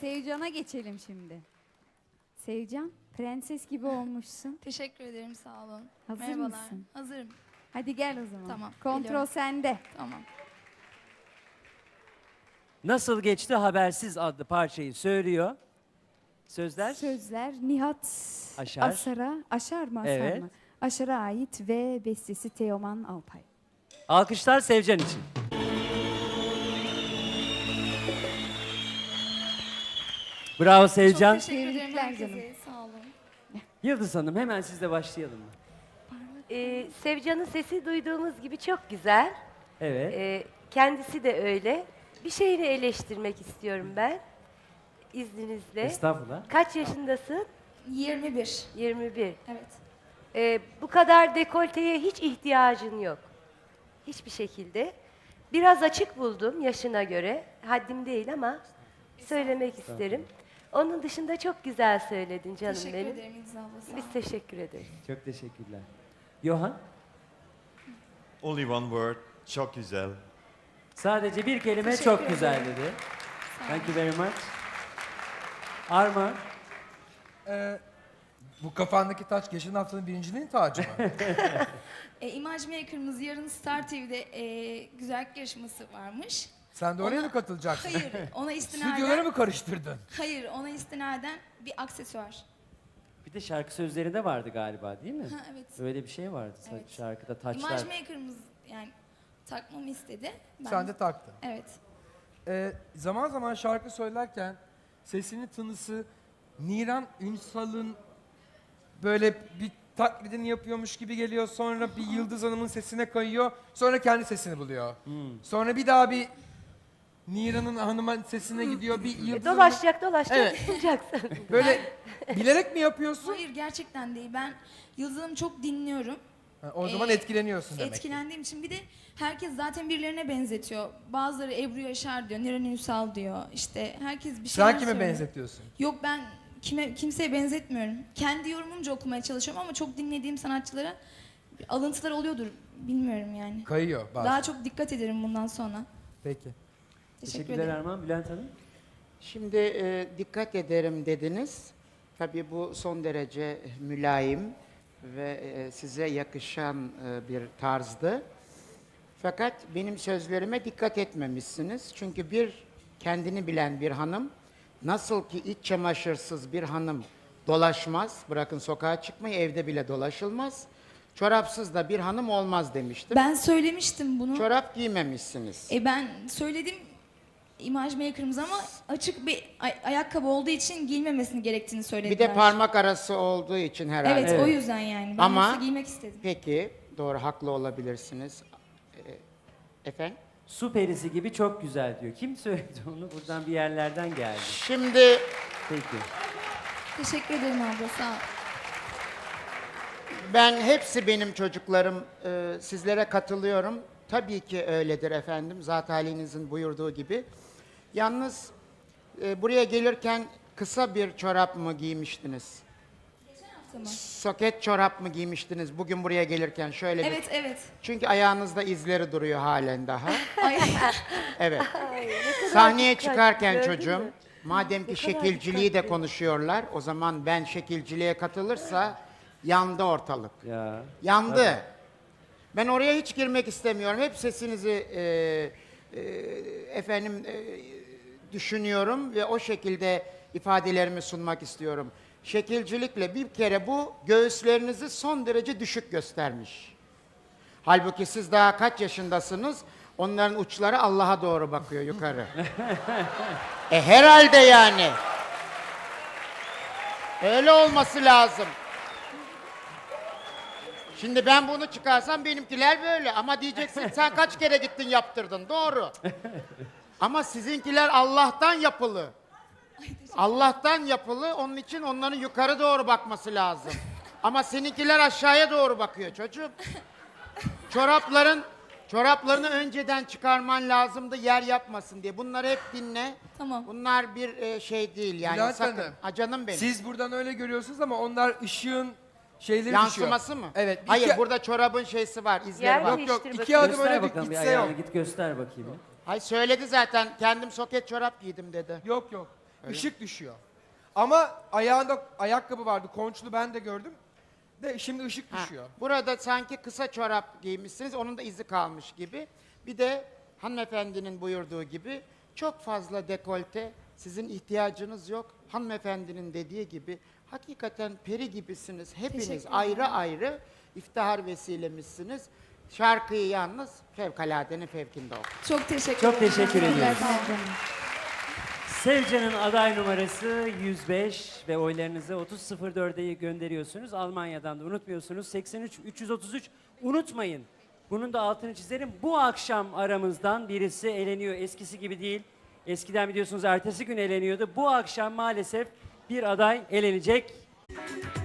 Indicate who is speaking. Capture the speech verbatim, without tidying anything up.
Speaker 1: Sevcan'a geçelim şimdi. Sevcan, prenses gibi olmuşsun.
Speaker 2: Teşekkür ederim, sağ olun.
Speaker 1: Hazır
Speaker 2: Merhabalar.
Speaker 1: mısın?
Speaker 2: Hazırım.
Speaker 1: Hadi gel o zaman.
Speaker 2: Tamam,
Speaker 1: Kontrol
Speaker 2: geliyorum.
Speaker 1: sende.
Speaker 2: Tamam.
Speaker 3: Nasıl geçti habersiz adlı parçayı söylüyor. Sözler?
Speaker 1: Sözler Nihat
Speaker 3: Aşar.
Speaker 1: Asar'a, Aşar mı Asar
Speaker 3: Evet.
Speaker 1: mı? Aşar'a ait ve bestesi Teoman Alpay.
Speaker 3: Alkışlar Sevcan için. Bravo Sevcan.
Speaker 2: Çok teşekkür ederim
Speaker 1: Tebrikler
Speaker 2: herkese.
Speaker 1: canım.
Speaker 2: Sağ olun.
Speaker 3: Yıldız Hanım hemen sizle başlayalım mı?
Speaker 4: Ee, Sevcan'ın sesi duyduğumuz gibi çok güzel.
Speaker 3: Evet.
Speaker 4: Ee, kendisi de öyle. Bir şeyini eleştirmek istiyorum ben. İzninizle.
Speaker 3: Estağfurullah.
Speaker 4: Kaç yaşındasın?
Speaker 2: yirmi bir.
Speaker 4: yirmi bir.
Speaker 2: Evet.
Speaker 4: Ee, bu kadar dekolteye hiç ihtiyacın yok. Hiçbir şekilde. Biraz açık buldum yaşına göre. Haddim değil ama söylemek isterim. Onun dışında çok güzel söyledin canım
Speaker 2: Teşekkür
Speaker 4: benim.
Speaker 2: ederim İdil abla. Sağ
Speaker 4: Biz
Speaker 2: olun.
Speaker 4: teşekkür ederiz.
Speaker 3: Çok teşekkürler. Johan,
Speaker 5: Only one word, çok güzel.
Speaker 3: sadece bir kelime
Speaker 2: Teşekkür
Speaker 3: çok
Speaker 2: ederim.
Speaker 3: güzel dedi. Thank you very much. Arma,
Speaker 6: Ee, bu kafandaki taç geçen haftanın birinciliğin tacı mı?
Speaker 2: E, Image Maker'ımız yarın Star T V'de e, güzellik yarışması varmış.
Speaker 6: Sen de oraya
Speaker 2: Ona-
Speaker 6: mı katılacaksın?
Speaker 2: Hayır, ona istinaden...
Speaker 6: Stüdyoları mı karıştırdın?
Speaker 2: Hayır, ona istinaden bir aksesuar.
Speaker 3: bir de şarkı sözlerinde vardı galiba değil mi?
Speaker 2: Ha, evet.
Speaker 3: Öyle bir şey vardı
Speaker 2: Evet.
Speaker 3: şarkıda taçlar.
Speaker 2: Image Maker'ımız yani takmamı istedi. Ben
Speaker 6: Sen de taktın.
Speaker 2: Evet.
Speaker 6: Ee, zaman zaman şarkı söylerken sesinin tınısı Niran Ünsal'ın böyle bir taklidini yapıyormuş gibi geliyor. Sonra bir Yıldız Hanım'ın sesine kayıyor. Sonra kendi sesini buluyor. Sonra bir daha bir Niran'ın hanımın sesine gidiyor. Bir
Speaker 4: E,
Speaker 6: Yıldız Hanım'ın...
Speaker 4: dolaşacak dolaşacak
Speaker 6: Evet.
Speaker 4: bulacaksın.
Speaker 6: Böyle bilerek mi yapıyorsun?
Speaker 2: Hayır, gerçekten değil. Ben Yıldız Hanım'ı çok dinliyorum.
Speaker 6: Ha, o zaman
Speaker 2: Ee,
Speaker 6: etkileniyorsun demek ki.
Speaker 2: Etkilendiğim için bir de herkes zaten birilerine benzetiyor. Bazıları Ebru Yaşar diyor, Niran Ünsal diyor. İşte herkes bir şeyler
Speaker 6: Sen kime
Speaker 2: söylüyor.
Speaker 6: benzetiyorsun?
Speaker 2: Yok, ben kime kimseye benzetmiyorum. Kendi yorumumca okumaya çalışıyorum ama çok dinlediğim sanatçılara alıntılar oluyordur. Bilmiyorum yani.
Speaker 6: Kayıyor bazen.
Speaker 2: Daha çok dikkat ederim bundan sonra.
Speaker 6: Peki.
Speaker 2: Teşekkür
Speaker 3: Teşekkürler
Speaker 2: ederim.
Speaker 3: Arman. Bülent Hanım.
Speaker 7: Şimdi e, dikkat ederim dediniz. Tabii bu son derece mülayim ve e, size yakışan e, bir tarzdı. Fakat benim sözlerime dikkat etmemişsiniz. Çünkü bir kendini bilen bir hanım, nasıl ki iç çamaşırsız bir hanım dolaşmaz, bırakın sokağa çıkmayı, evde bile dolaşılmaz. Çorapsız da bir hanım olmaz demiştim.
Speaker 2: Ben söylemiştim bunu.
Speaker 7: Çorap giymemişsiniz.
Speaker 2: E ben söyledim Image Maker'ımız ama açık bir ay- ayakkabı olduğu için giyilmemesini gerektiğini
Speaker 7: Bir
Speaker 2: söylediler.
Speaker 7: de parmak arası olduğu için herhalde.
Speaker 2: Evet,
Speaker 3: Evet.
Speaker 2: o yüzden yani. Ben
Speaker 7: Ama-
Speaker 2: yoksa giymek istedim.
Speaker 7: Peki, doğru, haklı olabilirsiniz. Ee, Efendim?
Speaker 3: Su perisi gibi çok güzel diyor. Kim söyledi onu? Buradan bir yerlerden geldi.
Speaker 7: Şimdi
Speaker 3: Peki.
Speaker 2: Teşekkür ederim abla, sağ ol.
Speaker 7: ben hepsi benim çocuklarım, e, sizlere katılıyorum. Tabii ki öyledir efendim, zat halinizin buyurduğu gibi. Yalnız e, buraya gelirken kısa bir çorap mı giymiştiniz?
Speaker 2: Tamam.
Speaker 7: Soket çorap mı giymiştiniz bugün buraya gelirken şöyle bir...
Speaker 2: Evet, evet.
Speaker 7: Çünkü ayağınızda izleri duruyor halen daha.
Speaker 2: Ay,
Speaker 7: Evet.
Speaker 4: Ay, ne kadar
Speaker 7: Sahneye
Speaker 4: dikkat,
Speaker 7: çıkarken
Speaker 4: gördün
Speaker 7: çocuğum,
Speaker 4: mü?
Speaker 7: madem ki
Speaker 4: Ne kadar
Speaker 7: şekilciliği de
Speaker 4: dikkatli.
Speaker 7: konuşuyorlar, o zaman ben şekilciliğe katılırsa yandı ortalık.
Speaker 3: Ya.
Speaker 7: Yandı. Ben oraya hiç girmek istemiyorum. Hep sesinizi e, e, efendim e, düşünüyorum ve o şekilde ifadelerimi sunmak istiyorum. Şekilcilikle bir kere bu göğüslerinizi son derece düşük göstermiş. Halbuki siz daha kaç yaşındasınız? Onların uçları Allah'a doğru bakıyor yukarı. e herhalde yani. Öyle olması lazım. Şimdi ben bunu çıkarsam benimkiler böyle ama diyeceksin sen kaç kere gittin yaptırdın, doğru. Ama sizinkiler Allah'tan yapılı. Allah'tan yapılı, onun için onların yukarı doğru bakması lazım. Ama seninkiler aşağıya doğru bakıyor çocuğum. Çorapların çoraplarını önceden çıkarman lazımdı yer yapmasın diye. Bunları hep dinle.
Speaker 2: Tamam.
Speaker 7: Bunlar bir e, şey değil yani,
Speaker 6: Bülent
Speaker 7: sakın.
Speaker 6: Hanım,
Speaker 7: Ha, canım benim.
Speaker 6: Siz buradan öyle görüyorsunuz ama onlar ışığın şeyleri
Speaker 7: Yansıması
Speaker 6: düşüyor.
Speaker 7: mı?
Speaker 6: Evet. bir
Speaker 7: Hayır,
Speaker 6: ke-
Speaker 7: burada çorabın şeysi var, izleri
Speaker 4: Yer
Speaker 7: var.
Speaker 4: mi?
Speaker 6: Yok yok,
Speaker 4: Değiştir
Speaker 6: iki
Speaker 4: bakayım.
Speaker 6: adım
Speaker 3: Göster
Speaker 6: öyle bir
Speaker 3: bakalım bir
Speaker 6: gitse yok.
Speaker 3: ayağını. Git göster bakayım.
Speaker 7: Hayır, söyledi zaten, kendim soket çorap giydim dedi.
Speaker 6: Yok yok. ışık düşüyor. Ama ayağında ayakkabı vardı. Konçlu ben de gördüm. De şimdi ışık
Speaker 7: Ha,
Speaker 6: düşüyor.
Speaker 7: burada sanki kısa çorap giymişsiniz, onun da izi kalmış gibi. Bir de hanımefendinin buyurduğu gibi çok fazla dekolte, sizin ihtiyacınız yok. Hanımefendinin dediği gibi hakikaten peri gibisiniz. Hepiniz
Speaker 2: Teşekkür
Speaker 7: ayrı ayrı iftihar vesilemişsiniz. Şarkıyı yalnız fevkaladenin fevkinde okudunuz.
Speaker 2: Çok teşekkür
Speaker 3: Çok
Speaker 2: ederim.
Speaker 3: teşekkür ediyoruz.
Speaker 2: Sağ olun.
Speaker 3: Sevcan'ın aday numarası yüz beş ve oylarınızı otuz sıfır dörde gönderiyorsunuz. Almanya'dan da unutmuyorsunuz. seksen üç üç yüz otuz üç unutmayın. Bunun da altını çizerim. Bu akşam aramızdan birisi eleniyor. Eskisi gibi değil. Eskiden biliyorsunuz ertesi gün eleniyordu. Bu akşam maalesef bir aday elenecek.